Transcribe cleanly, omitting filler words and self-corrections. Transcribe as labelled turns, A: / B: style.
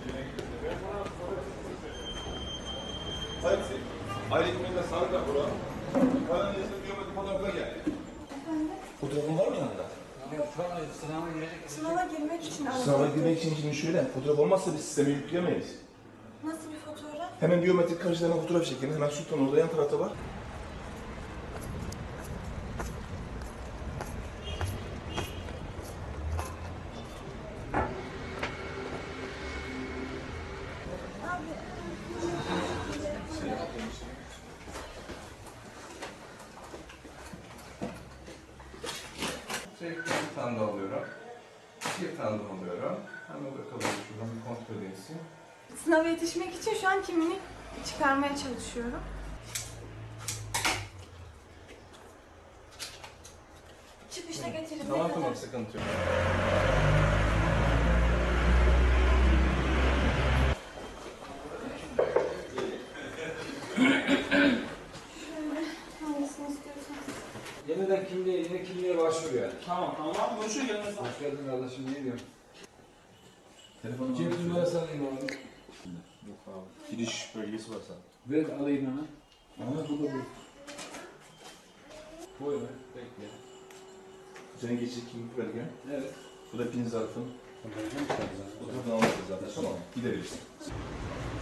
A: Hadi aile hekimliğinde sağlık raporu. Karadeniz'de biyometrik fotoğrafına gel.
B: Efendim?
A: Fotoğrafın var mı yanında?
B: Sınava girmek için aradım.
A: Sınava girmek için şimdi şöyle, fotoğraf olmazsa biz sisteme yükleyemeyiz.
B: Nasıl bir fotoğraf?
A: Hemen biyometrik karşılama fotoğraf çekin. Hemen Sultan orada yan tarafta var. Bir tane daha alıyorum. Bir tane daha alıyorum. Hemen bakalım şuradan bir kontrol edilsin.
B: Sınava yetişmek için şu an kimliğini çıkarmaya çalışıyorum. Çıkışta getirin.
A: Tamam sıkıntı yok.
B: Hangisini istiyorsanız.
C: Yeniden kimliğe başvur yani.
D: Tamam. Görüşürüz. Gelmez.
C: Hoş geldin kardeşim, ne diyorsun?
A: Telefonu
C: Cep numarası alayım abi.
A: Yok abi. Giriş bölgesi var sana.
C: Ver alayım hemen. Ama bu da bu. Buyur, bekle.
A: Senin geçici kimlik belgen.
C: Evet.
A: Bu da pin zarfın. Fotoğrafını almışız zaten. Tamam. Gidebilirsin.